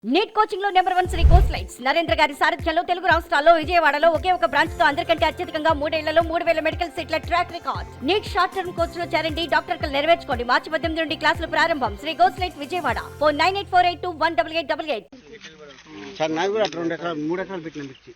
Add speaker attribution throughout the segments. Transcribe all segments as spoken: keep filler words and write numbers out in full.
Speaker 1: Neat coaching లో number one Sri course lights Narendra గారి సారథ్యంలో తెలుగు రాష్ట్రాల్లో విజయవాడలో ఒకే ఒక బ్రాంచ్ తో అందరికంటే అత్యధికంగా మూడేళ్లలో మూడు వేల మెడికల్ సీట్ల track record. NEET short term course లో చేరండి, డాక్టర్ కలు నెరవేర్చుకోండి. మార్చి పద్దెనిమిది నుండి క్లాసులు ప్రారంభం. Sri course light Vijayawada. Phone nine eight four eight two one double eight double eight.
Speaker 2: Sir నాకు కూడా రెండు ఎకరాలు మూడు ఎకరాలు పెట్టిన మిర్చి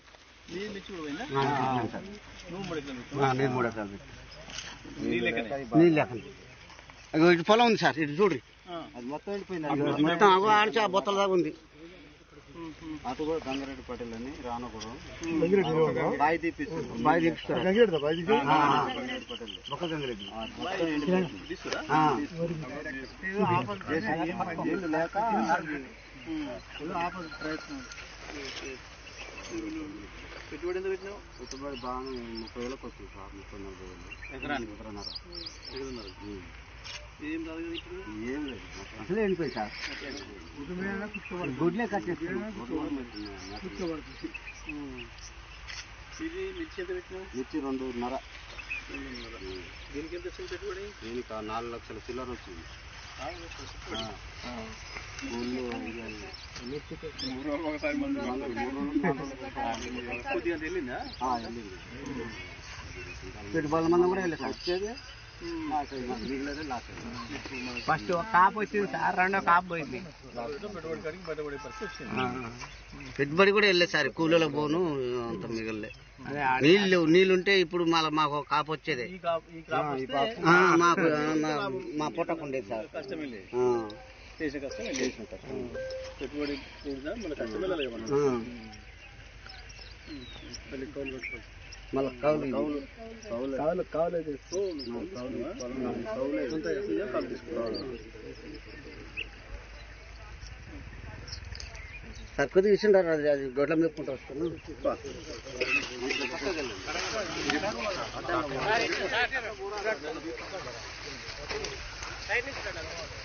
Speaker 2: నేను మూడు ఎకరాలు పెట్టి నీళ్ళు లేకండి. ఇటు పొలం ఉంది సార్, ఇటు చూడ్రి మొత్తం అగో ఆడిచి ఆ బొత్తల దాకా ఉంది.
Speaker 3: అటు కూడా గంగారెడ్డి పటేల్ అని రానకూడదు
Speaker 2: బాయి తీపిస్తారు బాయి తీపిస్తారు బొక్క గంగారెడ్డి
Speaker 3: లేక ఆపోజిట్ ప్రయత్నం. పెట్టుబడి ఎంత పెట్టినావు? పెట్టుబడి బాగా ముప్పై వేలకు వస్తుంది సార్. ముప్పై నలభై వేలు ఎకరానికి ఎకరన్నర ఎకరన్నర ఏం రాదు ఇప్పుడు. ఏం లేదు అసలే వెళ్ళిపోయి సార్. గుడ్లే కట్టేస్తున్నాం. ఇది మిర్చి ఎంత పెట్టినావు? మిర్చి రెండున్నర. దీనికి ఎంత వచ్చింది పెట్టుబడి? దీనికి నాలుగు లక్షల చిల్లర వచ్చింది. వెళ్ళిందా? వెళ్ళింది. పెట్టుబడుల మంది కూడా వెళ్ళి సార్. వచ్చేది
Speaker 2: ఫస్ట్ ఒక కాపు వచ్చింది సార్, రెండో కాపు పోయింది. పెట్టుబడి కూడా వెళ్ళలేదు సార్, కూలీలకు పోను అంత మిగలే. నీళ్ళు నీళ్ళుంటే ఇప్పుడు మళ్ళీ మాకు ఒక కాపు వచ్చేది. మాకు మా పొట్టకుండేది సార్.
Speaker 3: చేసిన కష్టం చేసిన కష్టం పెట్టుబడి మన కష్టం వెళ్ళాలి. మళ్ళీ కౌలు పెట్టుకోవాలి.
Speaker 2: మళ్ళీ కౌలు
Speaker 3: కౌలు కౌలు కౌలు కౌలు
Speaker 2: సార్ కొద్దిగా ఇచ్చిండారు. అది అది గొడ్ల మేపుకుంటూ వస్తున్నాను.